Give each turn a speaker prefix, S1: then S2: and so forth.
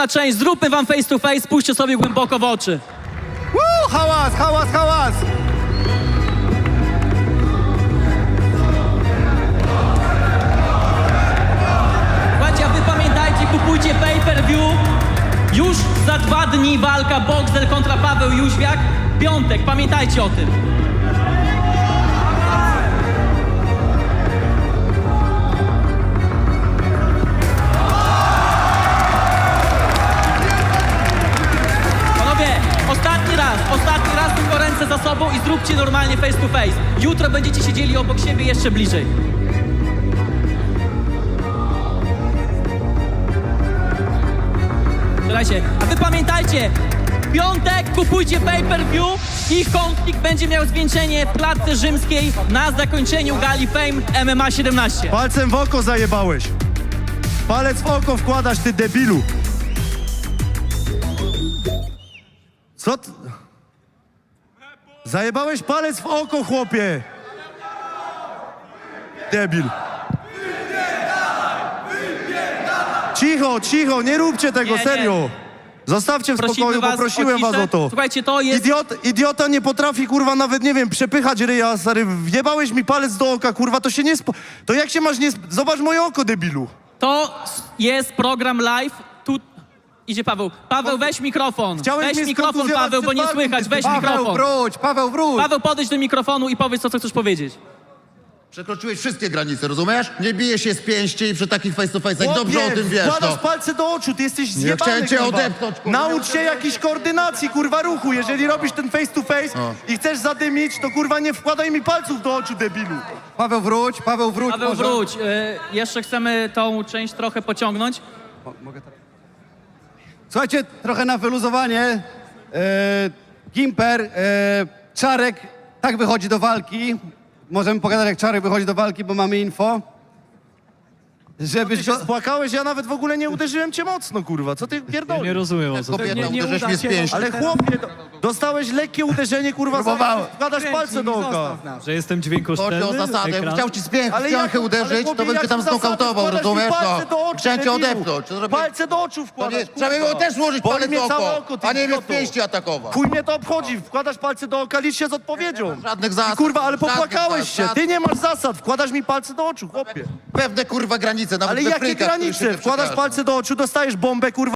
S1: Część, zróbmy wam face to face, spójrzcie sobie głęboko w oczy.
S2: Hałas, hałas, hałas!
S1: Słuchajcie, a wy pamiętajcie, kupujcie pay-per-view. Już za 2 dni walka Boxdel kontra Paweł Jóźwiak. Piątek, pamiętajcie o tym. Panowie, ostatni raz tylko ręce za sobą i zróbcie normalnie face to face. Jutro będziecie siedzieli obok siebie jeszcze bliżej. Słuchajcie, a wy pamiętajcie, w piątek kupujcie pay-per-view i konflikt będzie miał zwieńczenie w klatce rzymskiej na zakończeniu gali Fame MMA 17.
S2: Palcem w oko zajebałeś. Palec w oko wkładasz, ty debilu. Co ty? Zajebałeś palec w oko, chłopie. Debil. Cicho, cicho, nie róbcie tego,
S1: Nie.
S2: serio. Zostawcie w spokoju, poprosiłem was o to.
S1: Słuchajcie, to jest...
S2: Idiota nie potrafi, kurwa, nawet, nie wiem, przepychać ryja, stary. Wjebałeś mi palec do oka, kurwa, to się nie To jak się masz nie... Zobacz moje oko, debilu.
S1: To jest program live. Tu idzie Paweł. Paweł, weź mikrofon.
S2: Chciałeś
S1: Weź
S2: mnie
S1: mikrofon,
S2: skontuzjować
S1: Paweł, bo nie
S2: przed
S1: słychać.
S2: walką,
S1: Weź
S2: ty
S1: mikrofon.
S3: Paweł, wróć!
S1: Paweł, podejdź do mikrofonu i powiedz to, co chcesz powiedzieć.
S4: Przekroczyłeś wszystkie granice, rozumiesz? Nie bije się z pięści i przy takich face to face'ach
S2: Chłopie,
S4: dobrze o tym wiesz,
S2: wkładasz
S4: no.
S2: palce do oczu, ty jesteś zjebany,
S4: chciałem cię
S2: kurwa.
S4: odepchnąć, kurwa.
S2: Naucz się jakiejś koordynacji, kurwa, ruchu. Jeżeli robisz ten face to face i chcesz zadymić, to kurwa nie wkładaj mi palców do oczu, debilu.
S3: Paweł, wróć!
S1: Paweł,
S3: może.
S1: wróć. Jeszcze chcemy tą część trochę pociągnąć.
S3: Mogę tak? Słuchajcie, trochę na wyluzowanie. Gimper, Czarek tak wychodzi do walki. Możemy pogadać, jak Czarek wychodzi do walki, bo mamy info. Żebyś go...
S2: Spłakałeś, ja nawet w ogóle nie uderzyłem cię mocno, kurwa. Co ty pierdolisz?
S5: Nie rozumiem, o co
S4: Kobieta,
S5: chodzi.
S4: uderzysz mnie z pięści.
S2: Ale chłopie, dostałeś lekkie uderzenie, kurwa,
S3: Próbowałem.
S2: wkładasz palce do oka.
S5: Że jestem
S4: Chodzi
S5: dźwiękoszczelny?
S4: o zasadę,
S5: Ekran?
S4: chciał ci z
S2: Ale
S4: piąchy
S2: jak-
S4: uderzyć,
S2: ale
S4: to
S2: chłopie,
S4: bym cię
S2: jak
S4: tam
S2: zasady,
S4: znokautował,
S2: wkładasz mi
S4: rozumiesz?
S2: palce do
S4: No.
S2: oczu,
S4: Chciałem cię
S2: debilu.
S4: odepchnąć. To zrobię...
S2: Palce do oczu wkładasz,
S4: Trzeba było też włożyć
S2: Boli
S4: palec
S2: mnie
S4: w
S2: całe
S4: oko,
S2: oko, ty
S4: a nie mnie
S2: idioto.
S4: w pięści atakował.
S2: Chuj mnie to obchodzi, wkładasz palce do oka, licz się z odpowiedzią.
S4: Żadnych zasad.
S2: I kurwa, ale
S4: żadnych
S2: popłakałeś
S4: zasad,
S2: się, ty
S4: żadnych.
S2: nie masz zasad, wkładasz mi palce do oczu, chłopie.
S4: Pewne kurwa granice, nawet
S2: Ale
S4: we
S2: jakie
S4: frykach, których się
S2: granice?
S4: nie
S2: Wkładasz
S4: przekracza.
S2: palce do oczu, dostajesz bombę, kurwa.